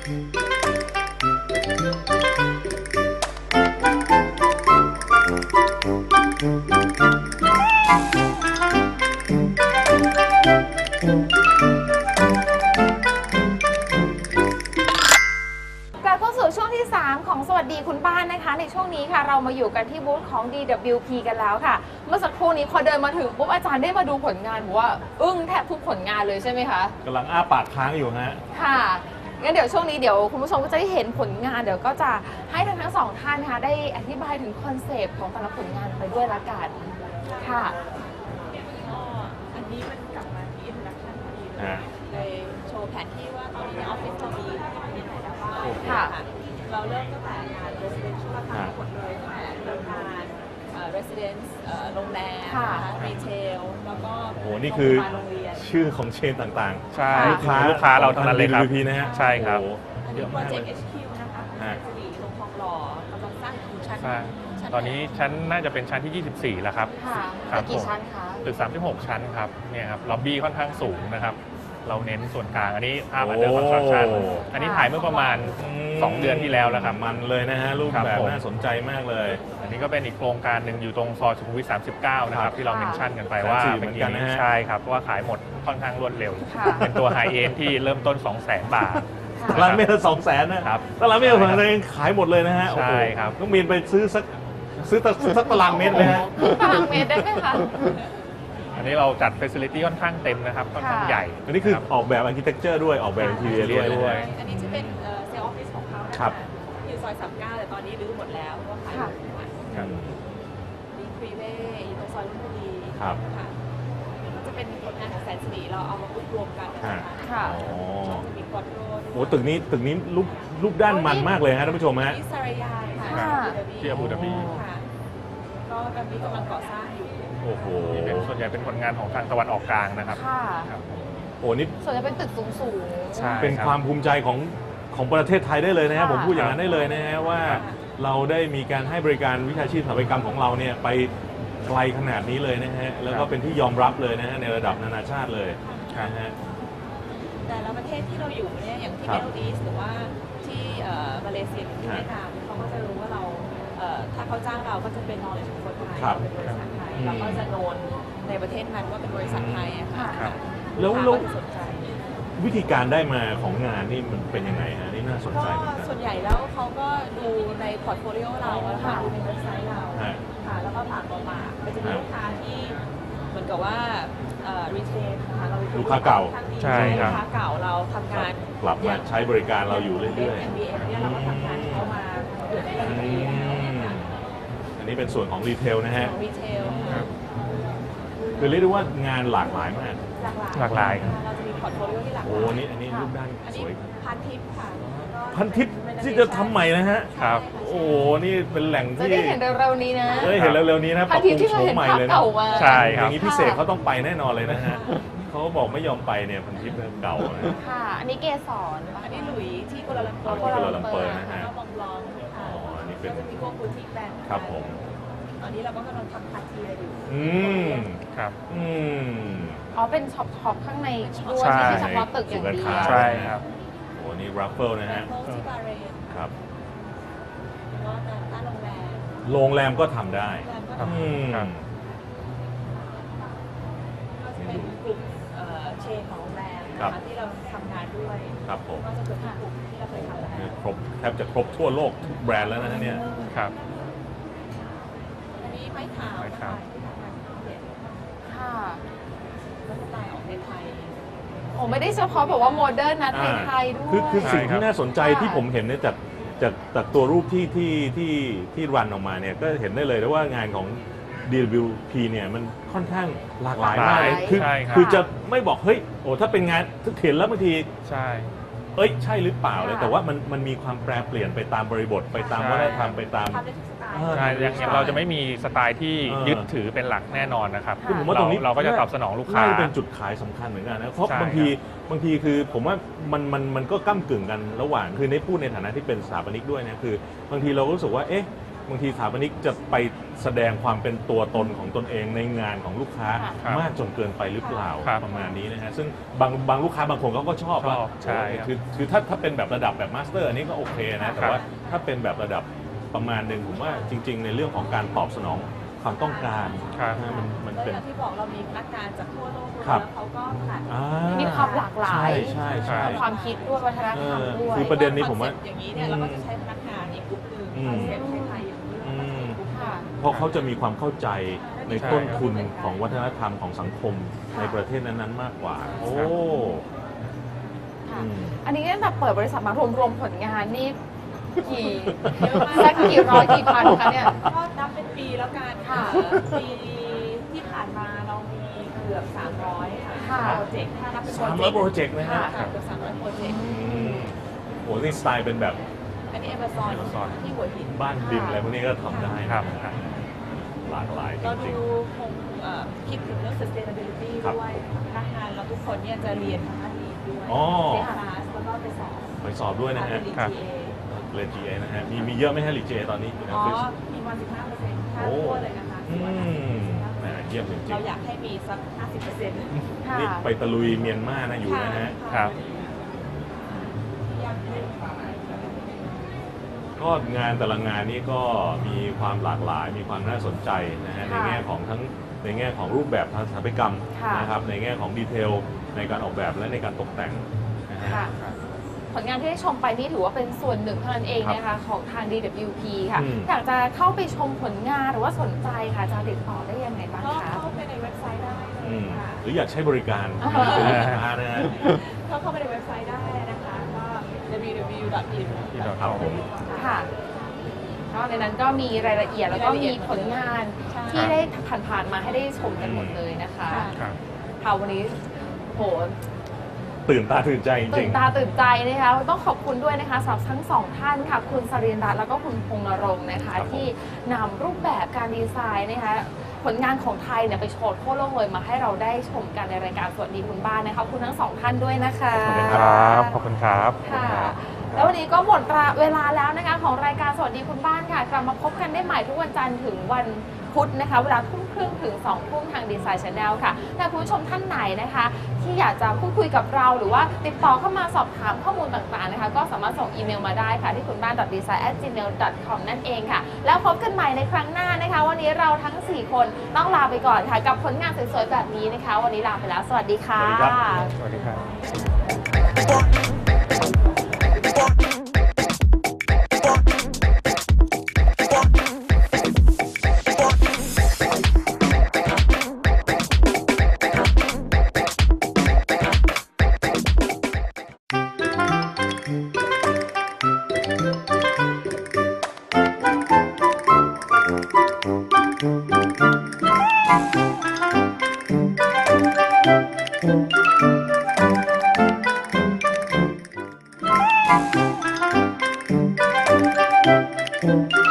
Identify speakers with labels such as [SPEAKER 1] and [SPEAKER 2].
[SPEAKER 1] ช่วงที่ 3 ของสวัสดีคุณป้านะคะในช่วงนี้ค่ะเรามาอยู่กันที่บูธของ DWP กันแล้วค่ะเมื่อสักครู่นี้พอเดินมาถึงปุ๊บอาจารย์ได้มาดูผลงานบอกว่าอึ้งแทบทุกผลงานเลยใช่ไหมคะ
[SPEAKER 2] กำลังอ้าปากค้างอยู่ฮะ
[SPEAKER 1] ค่ะงั้นเดี๋ยวช่วงนี้เดี๋ยวคุณผู้ชมก็จะได้เห็นผลงานเดี๋ยวก็จะให้ทั้งสองท่านนะคะได้อธิบายถึงคอนเซปต์ของแต่ละผลงานไปด้วยละกันค่ะ
[SPEAKER 3] อันนี้มันกลับมาที่อินดักชันพอดีเลยโชว์แผนที่ว่าตอนนี้ในออฟฟิศเรามีไหนแล้วบ้างค่ะเราเริ่มตั้งแต่งาน residential ทั้งหมดเลยตั้งแต่โรงงาน residence โรงแรมรีเทลแล้วก็
[SPEAKER 2] โอ้โหนี่คือชื่อของเชนต่างๆ
[SPEAKER 4] ใช่ลูกค้าเราทั้งนั้นเลยครับ
[SPEAKER 2] DWP นะฮะ
[SPEAKER 4] ใช่ครับ
[SPEAKER 3] เยอะมากเลย Project HQ นะคะสีลงทองหล่อกำลังสร้างอยู่ชั้น
[SPEAKER 4] ตอนนี้ชั้นน่าจะเป็นชั้นที่ 24 แล้วครับ
[SPEAKER 1] ค่ะกี่ชั้นคะ
[SPEAKER 4] ตึก36 ชั้นครับเนี่ยครับล็อบบี้ค่อนข้างสูงนะครับเราเน้นส่วนกลางอันนี้ภาพอันเดอร์คอนสตรัคชั่นอันนี้ถ่ายเมื่อประมาณ2 เดือนที่แล้วแล้วครับ
[SPEAKER 2] มันเลยนะฮะรูปแบบน่าสนใจมากเลย
[SPEAKER 4] อันนี้ก็เป็นอีกโครงการหนึ่งอยู่ตรงซอยสุขุมวิท39นะครับที่เราเมนชั่นกันไปว่า
[SPEAKER 2] เหมือนกันนะฮะ
[SPEAKER 4] ใช่ครับเพราะว่าขายหมดค่อนข้างรวดเร็วเป็นตัวไฮเอ็นที่เริ่มต้น 200,000 บาท
[SPEAKER 2] ตารางเมตร200,000นะครับตารางเมตร200,000ขายหมดเลยนะฮะ
[SPEAKER 4] ใช่ครับ
[SPEAKER 2] ต้องมีไปซื้อสักตารางเมตรเลยฮะ
[SPEAKER 1] ตารางเมตรได้ไหมคะ
[SPEAKER 4] อันนี้เราจัดเฟสิลิตี้ค่อนข้างเต็มนะครับค่อนข้างใหญ่
[SPEAKER 2] อันนี้คือออกแบบอาร์คิเทคเจอร์ด้วยออกแบบอินทีเรียด้วย
[SPEAKER 3] อันนี้จะเป็นเซลล์ออฟฟิศของเขานะคะอยู่ซอย39แต่ตอนนี้รื้อหมดแล้วเพราะว่าขายหมดมีฟรีเวย์อยู่ตรงซอยลุมพินี
[SPEAKER 2] ครับ
[SPEAKER 3] จะเป็นผลงานของแสนสิริเราเอามารวมกันนะคะมีควอดโร
[SPEAKER 2] โอ้ตึกนี้รูปด้านมันมากเลยฮะท่านผู้ชมฮะ
[SPEAKER 3] ที่สารยาค่ะ
[SPEAKER 4] ที่อาบูดาบี
[SPEAKER 3] ก็ตอนนี้กำลังก่อสร้างอยู่
[SPEAKER 2] โอ้โห
[SPEAKER 4] ส่วนใหญ่เป็นผลงานของทางตะวันออกกลางนะครับ
[SPEAKER 2] โอ้นี่
[SPEAKER 1] ส่วนใหญ่เป็นตึกสูง
[SPEAKER 2] เป็นความภูมิใจของประเทศไทยได้เลยนะฮะผมพูดอย่างนั้นได้เลยนะฮะว่าเราได้มีการให้บริการวิชาชีพสถาปัตยกรรมของเราเนี่ยไปไกลขนาดนี้เลยนะฮะแล้วก็เป็นที่ยอมรับเลยนะฮะในระดับนานาชาติเลยนะฮะ
[SPEAKER 3] แต่ละประเทศที่เราอยู่เนี่ยอย่างที่เมลดีสหรือว่าที่มาเลเซียหรือที่เวียดนามเขาก็จะรู้ว่าเราถ้าเขาจ้างเราก็จะเป็น knowledge ของคนไทยเป็นบริษัทไทยเราก็จะโนนในประเทศนั้นว่าเป็นบริษัทไทยอะค่ะ
[SPEAKER 2] แล้ววิธีการได้มาของงานนี่มันเป็นยังไงฮะนี่น่าสนใจ
[SPEAKER 3] ส่วนใหญ่แล้วเขาก็ดูในพอร์ตโฟลิโอเราค่ะดูในเว็บไซต์เราค่ะแล้วก็ฝากมาเป็นจะมีลูกค้าที่เหมือนกับว่ารีเทลนะคะเรา
[SPEAKER 2] ลูกค้าเก่า
[SPEAKER 4] ใช่ครับ
[SPEAKER 3] ลูกค้าเก่าเราทำงาน
[SPEAKER 2] กลับมาใช้บริการเราอยู่เรื่อย
[SPEAKER 3] ๆ MBM เนี่ยเราก็ทำงานเข้ามา
[SPEAKER 2] อันนี้เป็นส่วนของรีเทลนะฮะ
[SPEAKER 3] รีเทล
[SPEAKER 2] คือเรียกได้ว่างานหลากหลายมาก
[SPEAKER 4] หลากหลาย
[SPEAKER 3] เราจะมีพอร์ตโฟลิโอที่หลากหลาย
[SPEAKER 2] โอ้อันนี้รูปด้านสวย
[SPEAKER 3] พันทิปค่ะ
[SPEAKER 2] พันทิปที่จะทำใหม่นะฮะ
[SPEAKER 4] ครับ
[SPEAKER 2] โอ้นี่เป็นแหล่งที่
[SPEAKER 1] ได้เห็นเร็วๆนี้นะ
[SPEAKER 2] เห็นเร็วๆนี้นะ
[SPEAKER 1] พันทิปที่เราเห็นภาพเก่ามา
[SPEAKER 4] ใช่ครับ
[SPEAKER 2] อย่างนี้พิเศษเขาต้องไปแน่นอนเลยนะฮะเขาบอกไม่ยอมไปเนี่ยพันทิปเก่า
[SPEAKER 1] ค่ะอันนี้เกสร
[SPEAKER 3] อันนี้หลุยที่กัวลาลัมเปอร์นะฮะมองบลองค่ะ
[SPEAKER 2] อันนี้เป็น
[SPEAKER 3] จะมีพวกบูติกแบรนด์
[SPEAKER 2] ครับผม
[SPEAKER 3] ตอนนี้เราก็กำลังทำคาเทียอยู่
[SPEAKER 4] ครับ
[SPEAKER 1] อ๋อเป็นช็อปข้างในด้วยไม่ใช่เฉพาะตึกอย่างเดียว
[SPEAKER 4] ใช่ครับ
[SPEAKER 2] โอ้นี่รัฟเฟิลนะฮะ
[SPEAKER 3] ที่บาเรน
[SPEAKER 2] ครับ
[SPEAKER 3] แล้วก็ร้าน
[SPEAKER 2] โรงแรมก็ทำได้
[SPEAKER 3] ก็จะเป็นกลุ่มเชนของโรงแรมที่เราทำงานด้วย
[SPEAKER 2] ครับผม
[SPEAKER 3] ก็จะเกิดกลุ่มที่เราเคยทำแล้ว
[SPEAKER 2] ครบแทบจะครบทั่วโลกทุกแบรนด์แล้วนะเนี่ย
[SPEAKER 4] ครับ
[SPEAKER 3] อันนี้ไม้ขาว
[SPEAKER 1] ค่ะ
[SPEAKER 3] แล้วสไตล์ออกไทย
[SPEAKER 1] โอ้ไม่ได้เฉพาะแบบว่าโมเดิร์นนะไทยด้วย
[SPEAKER 2] คือสิ่งที่น่าสนใจที่ผมเห็นเนี่ยจากตัวรูปที่รันออกมาเนี่ยก็เห็นได้เลยว่างานของ DWP เนี่ยมันค่อนข้างหลากหลายมากคือจะไม่บอกเฮ้ยโอ้ถ้าเป็นงานเห็นแล้วบางที
[SPEAKER 4] ใช่
[SPEAKER 2] ใช่หรือเปล่าเลยแต่ว่ามันมีความแปรเปลี่ยนไปตามบริบทไปตามวัฒนธรรมไปตาม
[SPEAKER 4] ใช่อย่างเราจะไม่มีสไตล์ที่ยึดถือเป็นหลักแน่นอนนะครับ
[SPEAKER 2] ผมว่าตรงนี้
[SPEAKER 4] เราก็จะตอบสนองลูกค้า
[SPEAKER 2] เป็นจุดขายสำคัญเหมือนกันนะเพราะบางทีคือผมว่ามันก็ก้ำกึ่งกันระหว่างคือในพูดในฐานะที่เป็นสถาปนิกด้วยนะคือบางทีเรารู้สึกว่าบางทีสถาปนิกจะไปแสดงความเป็นตัวตนของตนเองในงานของลูกค้า
[SPEAKER 4] ครับ
[SPEAKER 2] มากจนเกินไปหรือเปล่า
[SPEAKER 4] ครับ
[SPEAKER 2] ประมาณนี้นะฮะซึ่งบางลูกค้าบางคนเขาก็ชอบ
[SPEAKER 4] ชอบใช่ครับ
[SPEAKER 2] คือถ้าเป็นแบบระดับแบบมาสเตอร์อันนี้ก็โอเคนะแต่ว่าถ้าเป็นแบบระดับประมาณหนึ่งผมว่าจริง ๆ ในเรื่องของการตอบสนองความต้องการ
[SPEAKER 4] ครับ
[SPEAKER 2] นะมัน
[SPEAKER 3] แล้ว
[SPEAKER 2] เป็
[SPEAKER 3] อน ย่างที่บอกเรามีพนักงานจากทั่วโลกด้วย
[SPEAKER 2] ครับ
[SPEAKER 3] แล้วเขาก็ผ่าน
[SPEAKER 2] อ่
[SPEAKER 1] มีความหลากหลาย
[SPEAKER 2] ใช่ใช่
[SPEAKER 1] ความคิดด้วยวัฒนธรรมด้วย
[SPEAKER 2] คือประเด็นนี้ผมว่า
[SPEAKER 3] คอเซ็ปต์อย่างนี้เนี่ยเราก็จะใช้พนักงานอีกกลุ่มหนึ่ง
[SPEAKER 2] อืม
[SPEAKER 3] คอนเซ็ปต์ไทยๆอย่างนี้เราก็จะใช้กลุ่มหนึ่ง
[SPEAKER 1] ค่ะ
[SPEAKER 2] เพราะเขาจะมีความเข้าใจใน
[SPEAKER 4] ใช่
[SPEAKER 2] ต้นทุนของวัฒนธรรมของสังคมในประเทศนั้นๆมากกว่า โอ้
[SPEAKER 1] ค่ะ
[SPEAKER 2] อืม
[SPEAKER 1] อันนี้ตั้งแต่เปิดบริษัทมารวมๆผลงานนี่กี่
[SPEAKER 3] เยอะมาก
[SPEAKER 1] สักกี่ร้อยกี่พันคะเนี่ย
[SPEAKER 3] ก็นับเป็นปีแล้วกัน
[SPEAKER 1] ค่ะ
[SPEAKER 3] ปีที่ผ่านมาเรามีเกือบ300
[SPEAKER 1] ค่ะ
[SPEAKER 3] โปรเจกต์ถ้านับเป็น
[SPEAKER 2] 300 โปรเจกต์นะฮะ
[SPEAKER 3] ค่ะเกือบ300 โปรเจกต์
[SPEAKER 2] อืมโหนี่สไตล์เป็นแบบ
[SPEAKER 3] อันนี้ Amazon
[SPEAKER 4] Amazon
[SPEAKER 3] ที่หัวหิน
[SPEAKER 2] บ้านดินอะไรพวกนี้ก็ทำได้นะครับ หลากหลายจ
[SPEAKER 3] เรา
[SPEAKER 2] ริง
[SPEAKER 3] ดูคงคิดถึงเรื่อง sustainability
[SPEAKER 2] ครับ
[SPEAKER 3] ด้วยพนักงานเราทุกคนเนี่ยจะเรียนทางด้านนี้ด้วย
[SPEAKER 2] อ๋อ
[SPEAKER 3] เรียนคลาสแล้วก็ไปสอบ
[SPEAKER 2] ๆไปสอบด้วยนะฮะ
[SPEAKER 3] เป็น
[SPEAKER 4] ครับ
[SPEAKER 3] GA
[SPEAKER 2] เรียน GA นะฮะมีเยอะไหมฮะรีเจตอนนี้อยู่ในอ
[SPEAKER 3] อ๋
[SPEAKER 2] อ
[SPEAKER 3] อ
[SPEAKER 2] ฟฟิศ
[SPEAKER 3] มีมา 15%ค่า
[SPEAKER 2] โอ้
[SPEAKER 3] ทั่วเลยนะคะ
[SPEAKER 2] อืมแหมเยี่ยมจริ
[SPEAKER 3] เรา
[SPEAKER 2] ง
[SPEAKER 3] อยากให้มีสัก 50%
[SPEAKER 1] ค่ะ
[SPEAKER 2] ๆนี่ไปตะลุยเมียนมานะอยู่นะฮะ
[SPEAKER 4] ครับ
[SPEAKER 2] ก็งานแต่ละงานนี้ก็มีความหลากหลาย มีความน่าสนใจนะฮะใน
[SPEAKER 1] ค่ะ
[SPEAKER 2] แง่ของทั้งในแง่ของรูปแบบทางสถาปัตยกรรม
[SPEAKER 1] ค่ะ
[SPEAKER 2] นะครับในแง่ของดีเทลในการออกแบบและในการตกแต่งนะฮะ
[SPEAKER 1] ค่ะ ผลงานที่ได้ชมไปนี่ถือว่าเป็นส่วนหนึ่งเท่านั้นเองนะคะของทาง DWP ค่ะ
[SPEAKER 2] อืม
[SPEAKER 1] อยากจะเข้าไปชมผลงานหรือว่าสนใจค่ะจะติดต่อได้ยังไงบ้าง
[SPEAKER 3] ก็
[SPEAKER 1] คะ
[SPEAKER 3] เข้าไปในเว็บไซต์ได้เล
[SPEAKER 2] อื
[SPEAKER 3] ย
[SPEAKER 2] ม
[SPEAKER 3] ค่ะ
[SPEAKER 2] หรืออยากใช้บริการ
[SPEAKER 1] อ่า
[SPEAKER 2] เป็นลูกค้านะฮะ
[SPEAKER 3] เข้าไปในเว็บไซต์ได้นะคะก็ www.in
[SPEAKER 2] ครับผม
[SPEAKER 1] ค่ะก็ในนั้นก็มีรายละเอียดแล้วก็มีผลงาน
[SPEAKER 3] ใช่
[SPEAKER 1] ที่ได้ผ่านๆมาให้ได้ชมกันหมดเลยนะคะ
[SPEAKER 3] ค่ะ
[SPEAKER 4] ครับ
[SPEAKER 1] ค่ะวันนี้โห
[SPEAKER 2] ตื่นตาตื่นใจจ
[SPEAKER 1] ตื่
[SPEAKER 2] ริ
[SPEAKER 1] น
[SPEAKER 2] ง
[SPEAKER 1] ตาตื่นใจนะคะต้องขอบคุณด้วยนะคะสำหรับทั้งสองท่านค่ะ คุณสรินทร์รัตน์แล้วก็คุณพงษ์นรงค์นะคะ
[SPEAKER 2] ครับผม
[SPEAKER 1] ที่นำรูปแบบการดีไซน์นะคะผลงานของไทยเนี่ยไปโชว์ทั่วโลกเลยมาให้เราได้ชมกันในรายการสวัสดีคุณบ้านนะคะขอบคุณทั้งสองท่านด้วยนะคะ
[SPEAKER 2] ขอบคุณ
[SPEAKER 4] ค
[SPEAKER 2] รั
[SPEAKER 4] รับ ขอบคุณครับ
[SPEAKER 1] ค่ะ แล้ววันนี้ก็หมดเวลาแล้วนะคะของรายการสวัสดีคุณบ้านค่ะกลับมาพบกันได้ใหม่ทุกวันจันทร์ถึงวันพุธนะคะ เวลาทุ่มครึ่งถึง2ทุ่มทางดีไซน์ชาแนลค่ะถ้าคุณผู้ชมท่านไหนนะคะ ที่อยากจะพูดคุยกับเราหรือว่าติดต่อเข้ามาสอบถามข้อมูลต่างๆนะคะ ก็สามารถส่งอีเมลมาได้ค่ะ ที่คุณบ้าน design@gmail.com นั่นเองค่ะ แล้วพบกันใหม่ในครั้งหน้านะคะ วันนี้เราทั้ง 4 คนต้องลาไปก่อนค่ะ กับผลงานสวยๆแบบนี้นะคะ วันนี้ลาไปแล้วสวัสดีค่ะ
[SPEAKER 2] สวัสดีครับ
[SPEAKER 4] สวัสดีครับ
[SPEAKER 5] Thank you.